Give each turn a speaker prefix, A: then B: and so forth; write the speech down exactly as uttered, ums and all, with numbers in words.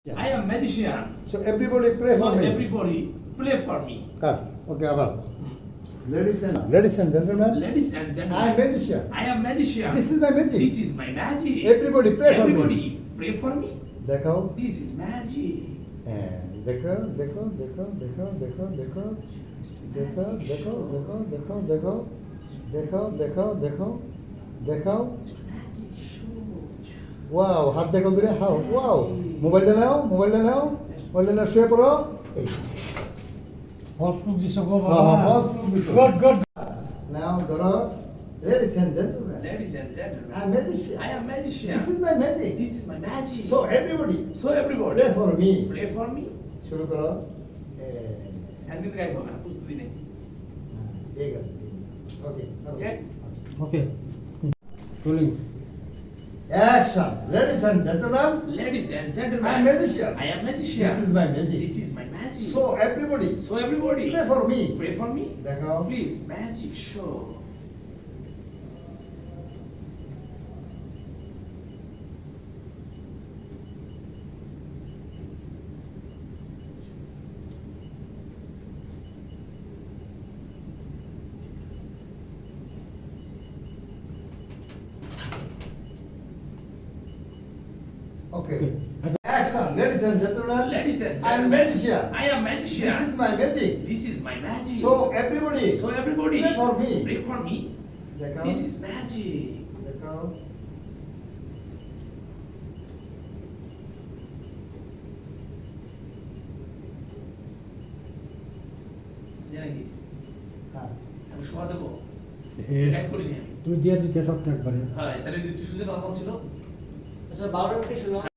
A: I am magician.
B: So everybody pray
A: So
B: for me.
A: everybody play for me.
B: Cut. Okay, abar. Ladies and ladies and gentlemen,
A: Ladies and
B: I am
A: gentlemen,
B: magician.
A: I am magician.
B: This is my magic.
A: This is my magic.
B: Everybody pray for me.
A: Everybody pray for me.
B: দেখো
A: This is magic.
B: হ্যাঁ, দেখো দেখো দেখো দেখো দেখো দেখো দেখো দেখো দেখো দেখো দেখো দেখো দেখো দেখো দেখো
A: Magic show.
B: ওয়াও হাত দেখো দূরে হাও ওয়াও মোবাইলটা নাও মোবাইলটা নাও মোবাইলটা নাও শুয়ে পড়ো এই
C: হসপিটাল দিছো গো
B: হ্যাঁ, হ্যাঁ,
C: বাবা
B: হসপিটাল দিছো।
C: গুড গুড
B: নাও ধরো ladies and gentlemen,
A: Ladies and gentlemen,
B: I am magician.
A: I am magician.
B: This is my magic.
A: This is my magic.
B: So everybody
A: so everybody
B: pray for me.
A: pray for me.
B: শুরু করো এ,
A: একদিন গাইবো না প্রস্তুতি নেই।
B: হ্যাঁ, ঠিক আছে okay
A: Okay?
C: Okay rolling
B: Action. Ladies and gentlemen,
A: Ladies and
B: I
A: gentlemen,
B: am magician.
A: I am magician.
B: This is my magic.
A: This is my magic.
B: So everybody
A: so everybody
B: pray for me.
A: pray for me.
B: দেখাও
A: Please, magic show.
B: Okay. Action. Ladies and gentlemen,
A: Ladies and
B: I am
A: gentlemen,
B: magician.
A: I am
B: This is
A: magician.
B: my magic.
A: This is my magic.
B: So everybody
A: so everybody
B: pray for me.
A: pray for me.
B: দেখাও
A: This is magic.
B: দেখাও
A: জানি কি
B: হ্যাঁ
A: আমি শোয়া দেবো
C: a
A: guide করিনি আমি
C: তুই দিয়ে দিতে সবটা একবারে
A: হ্যাঁ তাহলে যে সুজে নরমাল ছিল
D: আচ্ছা বারো মিনিট শোনো